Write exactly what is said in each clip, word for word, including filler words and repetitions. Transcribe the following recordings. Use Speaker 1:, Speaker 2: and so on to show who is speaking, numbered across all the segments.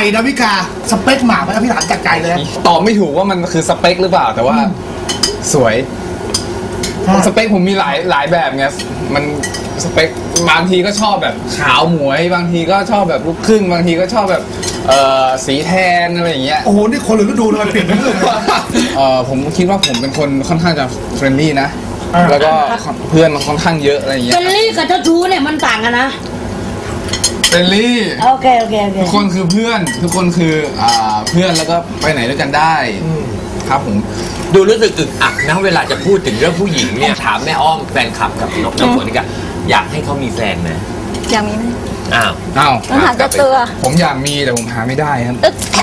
Speaker 1: ดาวิกาสเปคหมากไหมพี่ถามจากใจเลย
Speaker 2: ตอบไม่ถูกว่ามันคือสเปคหรือเปล่าแต่ว่าสวยสเปคผมมีหลายหลายแบบไงมันสเปคบางทีก็ชอบแบบขาวหมวยบางทีก็ชอบแบบลูกครึ่งบางทีก็ชอบแบบเอ่อสีแทนอะไรอย่างเงี้ย
Speaker 1: โอ้โหนี่คนหรือฤดูเลยเปลี่ยนไปเรื่อย
Speaker 2: เอ่อผมคิดว่าผมเป็นคนค่อนข้างจะเฟรนลี่นะแล้วก็เพื่อนมันค่อนข้างเยอะอะไรอย่างเงี้ย
Speaker 3: เฟรนลี่กับเจ้าชู้เนี่ยมันต่างกันนะ
Speaker 2: เฟรนลี่
Speaker 3: โอเคโอเคโอเค
Speaker 2: ทุกคนคือเพื่อนทุกคนคืออ่าเพื่อนแล้วก็ไปไหนด้วยกันได้ครับผม
Speaker 4: ดูรู้สึกอึดอัดนะเวลาจะพูดถึงเรื่องผู้หญิงเนี่ยถามแม่อ้อมแฟนคลับกับน้องน้ำฝนกันอยากให้เขามีแฟนไหม
Speaker 5: อยากมีไหม
Speaker 4: อ้าว
Speaker 2: อ้าว
Speaker 5: ต้องหาเจ้าตัว
Speaker 2: ผมอยากมีแต่ผมหาไม่ได้ครับ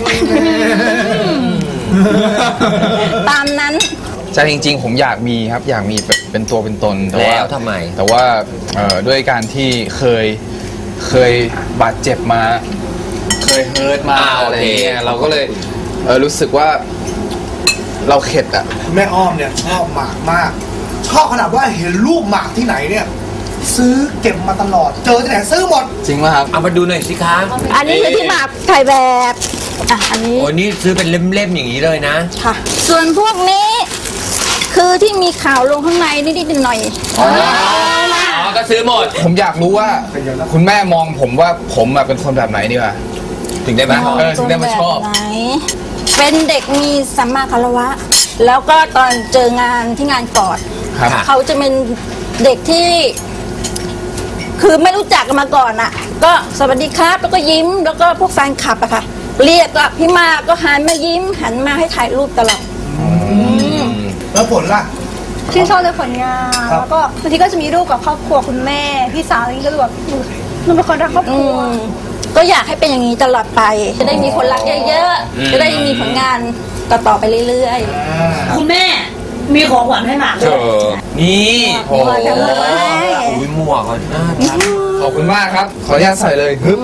Speaker 5: ตามนั้น
Speaker 2: ใช่จริงๆผมอยากมีครับอยากมีเป็นตัวเป็นตนแต่ว่า
Speaker 4: ทำไม
Speaker 2: แต่ว่าด้วยการที่เคยเคยบาดเจ็บมาเคยเฮิร์ตมาอะไรเงี้ยเราก็เลยรู้สึกว่าเราเข็ดอ่ะ
Speaker 1: แม่อ้อมเนี่ยชอบหมากมากชอบขนาดว่าเห็นรูปหมากที่ไหนเนี่ยซื้อเก็บมาตลอดเจอที่ไหนซื้อหมด
Speaker 2: จริงไหมครับ
Speaker 4: เอามาดูหน่อยสิคะ
Speaker 5: อันนี้คือที่หมากถ่ายแบบอ่ะอันนี้
Speaker 4: โอ้นี่ซื้อเป็นเล่มๆอย่างนี้เลยนะ
Speaker 5: ค่ะส่วนพวกนี้คือที่มีข่าวลงข้างในนิดๆหน่อยๆอ๋
Speaker 4: อก็ซื้อหมด
Speaker 2: ผมอยากรู้ว่าคุณแม่มองผมว่าผมเป็นคนแบบไหนดีวะถึงได้ไหมเออถึงได้มาชอบ
Speaker 5: เป็นเด็กมีสัมมาคารวะแล้วก็ตอนเจองานที่งานกอดเขาจะเป็นเด็กที่คือไม่รู้จักกันมาก่อนอ่ะก็สวัสดีครับแล้วก็ยิ้มแล้วก็พวกแฟนคลับอะค่ะเรียกก็พี่มาก็หันมายิ้มหันมาให้ถ่ายรูปตลอด
Speaker 1: แล้วผลล่ะ
Speaker 6: ชื่นชอบในผลงานแล้วก็บางทีก็จะมีรูปกับครอบครัวคุณแม่พี่สาวอะไรก็แบบหนูเป็นคนรักครอบครัว
Speaker 5: ก็อยากให้เป็นอย่างนี้ตลอดไปจะได้มีคนรักเยอะๆจะได้มีผลงานต่อๆไปเรื่อย
Speaker 3: ๆคุณแม่มีของขวัญให้หมากด้วย
Speaker 4: นี่
Speaker 5: โอ้โห
Speaker 4: อุ้ยหมวกอ่ะ
Speaker 2: ขอบคุณมากครับขออนุญาตใส่เลยฮึบ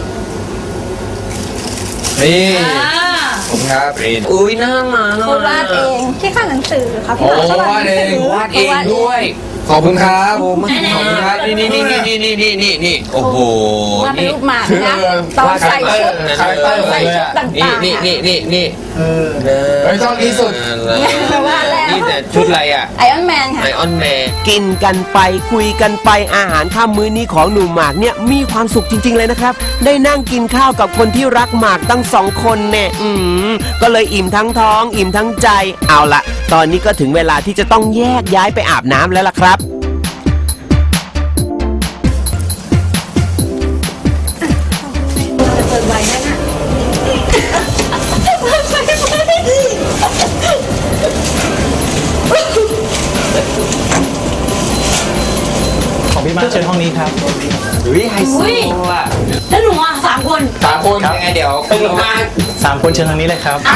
Speaker 2: นี่ผมครับ
Speaker 4: อุ้ยน่ารัก
Speaker 5: เขาวาดเอง
Speaker 6: ที่ข้างหนังสือครับ
Speaker 2: พี่
Speaker 4: วาดเองวาดเองด้วย
Speaker 2: ขอบคุณครับ
Speaker 4: ขอบคุณครับนี่นี่นี่นี่นี่นี่นี่นี่โอ้โห
Speaker 5: นี่รูปหมากนะตอนใส่ชุดใส่ชุดต่างๆ
Speaker 4: นี่นี่นี่นี่
Speaker 2: เออเฮ้ยชอบที่สุด
Speaker 4: นี่แต่ชุดอะไรอ่ะ
Speaker 5: ไอออนแมนค่ะ
Speaker 4: ไอออนแมนกินกันไปคุยกันไปอาหารค่ำมื้อนี้ของหนุ่มหมากเนี่ยมีความสุขจริงๆเลยนะครับได้นั่งกินข้าวกับคนที่รักหมากตั้งสองคนเนี่ยอืมก็เลยอิ่มทั้งท้องอิ่มทั้งใจเอาละตอนนี้ก็ถึงเวลาที่จะต้องแยกย้ายไปอาบน้ำแล้วล่ะครับ
Speaker 7: ของพี่มาเชิญห้องนี้ครับ
Speaker 4: อุ้ยไฮโซอ่ะ
Speaker 3: แล้วหนูอ่ะสามคน
Speaker 2: สามคน
Speaker 4: ยังไงเดี๋ยวตึงลงมา
Speaker 7: สามคนเชิญทางนี้เลยครับ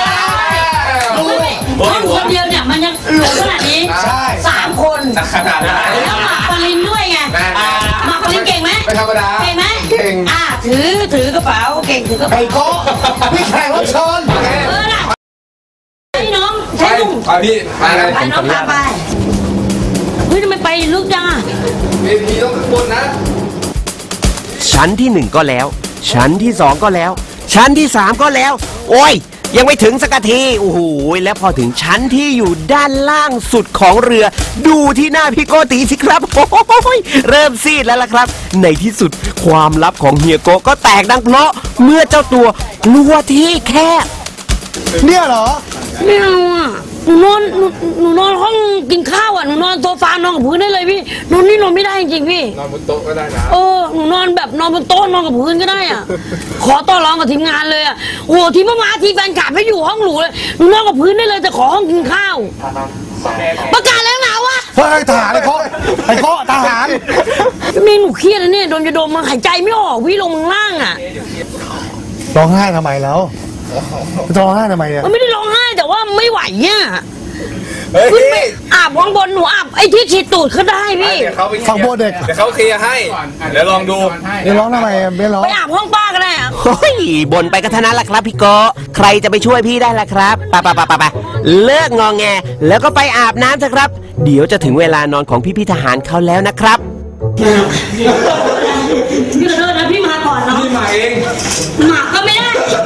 Speaker 3: ห้องคนเดียวเนี่ยมันยังหลงขนาดนี้สามคน
Speaker 2: ขนาดนั้น
Speaker 3: แล้วหมากปรินด้วยไงหมากปรินเก่งไหม
Speaker 2: ไม่ธรรมดา
Speaker 3: เก่งไหม
Speaker 2: เก่ง
Speaker 3: อ่าถือถือกระเป๋าเก่งถือกระเป๋า
Speaker 1: ไอ้โก้พี่แข่งรถชน
Speaker 3: เออน่ะไอ้น้องใช่ลุง
Speaker 2: ไปพี่ไปเลย
Speaker 3: ไปน้องพาไปเฮ้ยทำไมไปลึกจังอ่ะ
Speaker 2: เวทีต้องข้างบนนะ
Speaker 4: ชั้นที่หนึ่งก็แล้วชั้นที่สองก็แล้วชั้นที่สามก็แล้วโอ้ยยังไม่ถึงสักทีโอ้โหแล้วพอถึงชั้นที่อยู่ด้านล่างสุดของเรือดูที่หน้าพี่โกติสิครับโอ้ยเริ่มซีดแล้วล่ะครับในที่สุดความลับของเฮียโกก็แตกดังเพราะเมื่อเจ้าตัวกลัวที่แคบ
Speaker 1: เนี่ยเหรอ
Speaker 3: ไม่เอาอ่ะหนูนอนหนูหนูนอนห้องกินข้าวอ่ะหนูนอนโซฟานอนกับพื้นได้เลยพี่นอนนี่นอนไม่ได้จริงพี่
Speaker 2: นอนบนโต๊ะก็ได้นะ
Speaker 3: เออหนูนอนแบบนอนบนโต๊ะนอนกับพื้นก็ได้อ่ะขอต่อรองกับทีมงานเลยอ่ะโอ้ทีมมาทีแฟนกลับไม่อยู่ห้องหนูเลยหนูนอนกับพื้นได้เลยแต่ขอห้องกินข้าวประกาศแล้วนะวะ
Speaker 1: เฮ้ยทหารไอ้โค้ไอ้โค้ทหาร
Speaker 3: มีหนูเครียดแล้วเนี่ยโดนจะโดนมันหายใจไม่ออกวิ่งลงล่างอ่ะ
Speaker 1: ร้องไห้ทำไมแล้วร้องไห้ทำไมเนี่ย
Speaker 3: มันไม่ได้ร้องไห้แต่ว่าไม่ไหวเนี่ยขึ้นไปอาบข้างบนหนูอาบไอ้ที่ฉีดตูดเขาได้พี่
Speaker 1: ฟังโบเด็ก
Speaker 2: เดี๋ยวเขาเคลียร์ให้เดี๋ยวลองดู
Speaker 1: เดี๋ยวร้องทำไมไม่ร้อง
Speaker 3: ไปอาบห้องป้าก็ได้อะ
Speaker 4: เฮ้ยบนไปก็เท่านั้นแหละครับพี่โกใครจะไปช่วยพี่ได้ล่ะครับไปไปไปไปไปเลิกงองแงแล้วก็ไปอาบน้ำเถอะครับเดี๋ยวจะถึงเวลานอนของพี่พี่ทหารเขาแล้วนะครับ
Speaker 3: พี่ขอโทษนะพี่มาก่อนเนาะ
Speaker 2: พี่มาเอง
Speaker 3: หมากก็ไม่ได้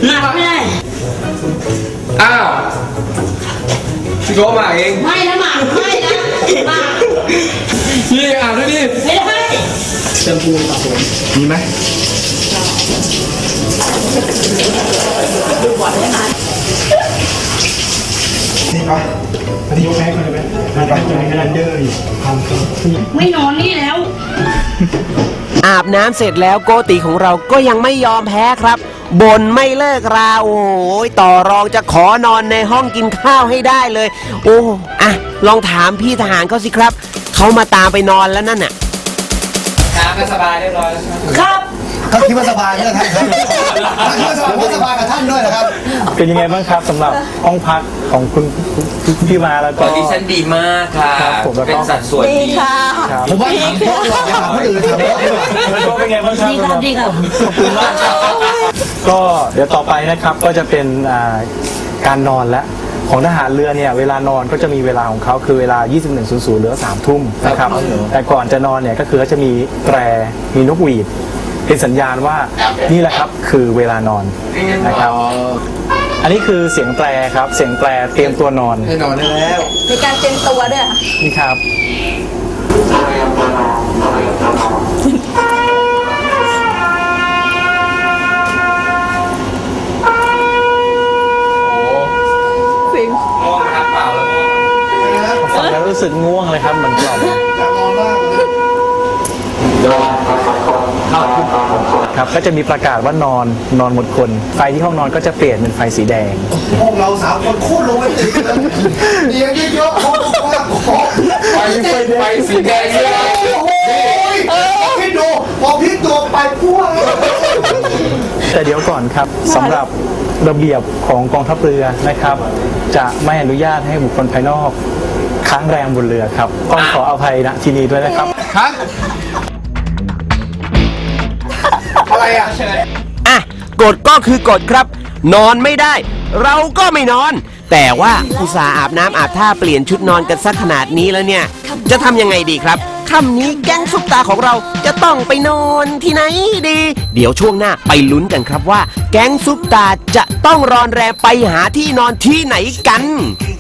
Speaker 3: หนักไม่ได้
Speaker 2: อ้าวพี่โก้มาเอง
Speaker 3: ไม่นะหมากไม่นะหมาก
Speaker 2: พี่อ่านด้วยดิ
Speaker 3: ไม่ได้
Speaker 2: มีไหม
Speaker 1: นี่ปะอันนี้ยกแพ้กันเลยไหมไม่ไปจะมีคะแนนเดอร์อีก
Speaker 3: ไม่นอนนี่แล้ว
Speaker 4: อาบน้ำเสร็จแล้วโกติของเราก็ยังไม่ยอมแพ้ครับบ่นไม่เลิกราโอ้ยต่อรองจะขอนอนในห้องกินข้าวให้ได้เลย โอ้อะลองถามพี่ทหารเขาสิครับเขามาตามไปนอนแล้วนั่นน่ะ
Speaker 2: น้ำก็สบายเรียบร้อยแล้วใช่ไหม
Speaker 3: ครับ
Speaker 1: ก็คิดว่าสบายเนี่ยท่านครับคิดว่าสบายก็สบายกับท่านด้วยนะครับ
Speaker 7: เป็นยังไงบ้างครับสำหรับห้องพักของคุณพี่มาแล้ว
Speaker 8: ค
Speaker 7: ก็
Speaker 8: อนดิชั่นดีมากค่ะ
Speaker 7: ครับผมแล้วก็
Speaker 8: เป็นสัดส่วน
Speaker 5: ดี
Speaker 8: ดี
Speaker 5: ค่ะ
Speaker 7: ครับ
Speaker 1: ผมว่าถามพ่อหลอกอย่าถามคนอื่นถามพ่อดีกว่า
Speaker 7: แล้วก็เป็นไงบ้างครับ
Speaker 3: ดีครับดีครับ
Speaker 7: ขอบคุณมากครับก็เดี๋ยวต่อไปนะครับก็จะเป็นอ่าการนอนและของทหารเรือเนี่ยเวลานอนก็จะมีเวลาของเขาคือเวลา ยี่สิบเอ็ด ศูนย์ ศูนย์ หรือสามทุ่มนะครับแต่ก่อนจะนอนเนี่ยก็คือเขาจะมีแตรมีนกหวีดเป็นสัญญาณว่านี่แหละครับคือเวลานอนนะครับอันนี้คือเสียงแตรครับเสียงแตรเตรียมตัวนอน
Speaker 2: ให้นอนได้แล้ว
Speaker 5: มีการเตรียมตัวด้วยค่ะ
Speaker 7: นี่ครับ
Speaker 5: ฟิง
Speaker 2: ง่วงนะครับเปล่าแล้วง่วง
Speaker 7: ฟังแล้วรู้สึกง่วงเลยครับเหมือนกล่อม
Speaker 1: อยากนอนมากเลย
Speaker 7: ครับก็จะมีประกาศว่านอนนอนหมดคนไฟที่ห้องนอนก็จะเปลี่ยนเป็นไฟสีแดง
Speaker 1: พวกเราสามคนโคตรโรแมนติกเลยเตียงเยอะๆห้องกว้างๆของ
Speaker 2: ไฟไฟไฟสีแดงเลย
Speaker 1: โอ้โหพี่ดูพอพี่ตัวไปพ่วงเลย
Speaker 7: แต่เดี๋ยวก่อนครับสำหรับระเบียบของกองทัพเรือนะครับ จะไม่อนุญาตให้บุคคลภายนอกค้างแรมบนเรือครับต้องขออภัยณที่นี้ด้วยนะครับ
Speaker 2: ฮะ
Speaker 1: อะไรอ่ะ
Speaker 4: อ่ะกฎก็คือกฎครับ นอนไม่ได้ เราก็ไม่นอน แต่ว่าอุตส่าห์อาบน้ำอาบท่าเปลี่ยนชุดนอนกันสักขนาดนี้แล้วเนี่ย จะทำยังไงดีครับค่ำนี้แก๊งซุปตาของเราจะต้องไปนอนที่ไหนดี เดี๋ยวช่วงหน้าไปลุ้นกันครับว่า แก๊งซุปตาจะต้องรอนแรมไปหาที่นอนที่ไหนกัน